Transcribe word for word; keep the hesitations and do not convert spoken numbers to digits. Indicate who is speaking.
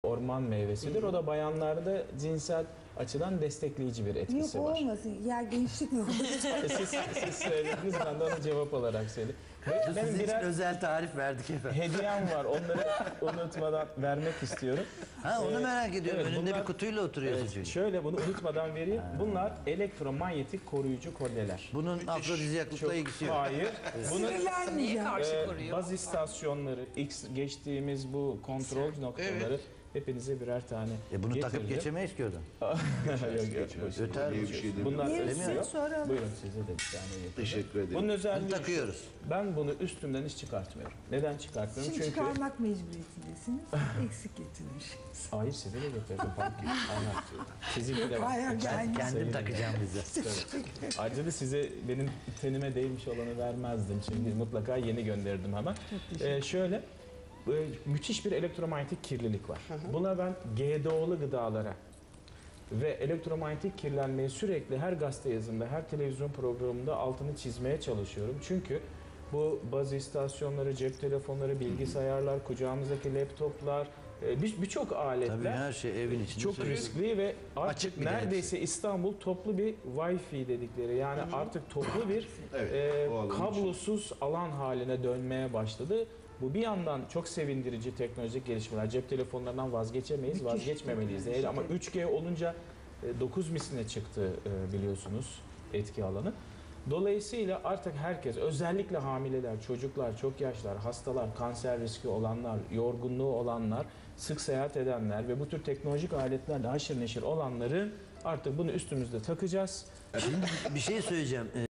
Speaker 1: orman meyvesidir. O da bayanlarda cinsel açıdan destekleyici bir etkisi
Speaker 2: Yok
Speaker 1: var.
Speaker 2: olmasın. Ya gençlik mi olur?
Speaker 1: siz, siz söylediniz, ben de onu cevap olarak söyledim. Ve
Speaker 3: Sizin
Speaker 1: benim
Speaker 3: için
Speaker 1: birer
Speaker 3: özel tarif verdik efendim.
Speaker 1: hediyem var. Onları unutmadan vermek istiyorum.
Speaker 3: Ha onu
Speaker 1: Ee,
Speaker 3: merak ediyorum.
Speaker 1: evet,
Speaker 3: Önünde
Speaker 1: bunlar-
Speaker 3: bir kutuyla oturuyorsun
Speaker 1: Evet,
Speaker 3: çünkü.
Speaker 1: şöyle bunu unutmadan vereyim. Bunlar elektromanyetik koruyucu kolyeler.
Speaker 3: Bunun afrodizyaklıkla ilgisi yok.
Speaker 1: Hayır. Bunun
Speaker 2: Sinirlenmeyeceğim.
Speaker 4: karşı
Speaker 1: e,
Speaker 4: koruyor?
Speaker 1: baz istasyonları, X geçtiğimiz bu kontrol noktaları hepinize birer tane
Speaker 3: E bunu takıp
Speaker 1: getirdim.
Speaker 3: geçemeyiz ki oradan.
Speaker 1: Yok, yok, boş ver.
Speaker 3: Öter
Speaker 5: diye bir şey demiyor.
Speaker 1: Bunlar
Speaker 2: Yerisini
Speaker 1: ötmüyor.
Speaker 2: soralım.
Speaker 1: Buyurun, size de bir tane getirdim.
Speaker 5: Teşekkür ederim.
Speaker 1: Bunun özelliği
Speaker 3: Bunu takıyoruz.
Speaker 1: şu, ben bunu üstümden hiç çıkartmıyorum. Neden çıkartmıyorum?
Speaker 2: Şimdi
Speaker 1: Çünkü
Speaker 2: çıkarmak mecburiyetindesiniz. Eksik getirmişsiniz.
Speaker 1: hayır, size de getirdim. Aynen. Sizinki de var.
Speaker 2: Hayır, yani.
Speaker 3: Kendim
Speaker 1: Sevgili-
Speaker 3: takacağım bize.
Speaker 1: Tabii. Ayrıca da size benim tenime değmiş olanı vermezdim. Şimdi mutlaka yeni gönderdim hemen. Ee, şöyle, e, müthiş bir elektromanyetik kirlilik var. Buna ben G D O'lu gıdalara ve elektromanyetik kirlenmeyi sürekli her gazete yazımda, her televizyon programında altını çizmeye çalışıyorum. Çünkü bu baz istasyonları, cep telefonları, bilgisayarlar, kucağımızdaki laptoplar, e, bir- birçok aletler
Speaker 3: Tabii her şey evin içinde.
Speaker 1: çok
Speaker 3: sürekli.
Speaker 1: riskli ve artık
Speaker 3: Açık bir de
Speaker 1: neredeyse İstanbul toplu bir Wi-Fi dedikleri, yani artık toplu bir
Speaker 5: Evet,
Speaker 1: e,
Speaker 5: o alan için.
Speaker 1: kablosuz alan haline dönmeye başladı. Bu bir yandan çok sevindirici teknolojik gelişmeler. Cep telefonlarından vazgeçemeyiz, vazgeçmemeliyiz. Eğer ama üç G olunca e, dokuz misline çıktı e, biliyorsunuz etki alanı. Dolayısıyla artık herkes, özellikle hamileler, çocuklar, çok yaşlılar, hastalar, kanser riski olanlar, yorgunluğu olanlar, sık seyahat edenler ve bu tür teknolojik aletlerle haşır neşir olanların artık bunu üstümüzde takacağız.
Speaker 3: Şimdi bir şey söyleyeceğim.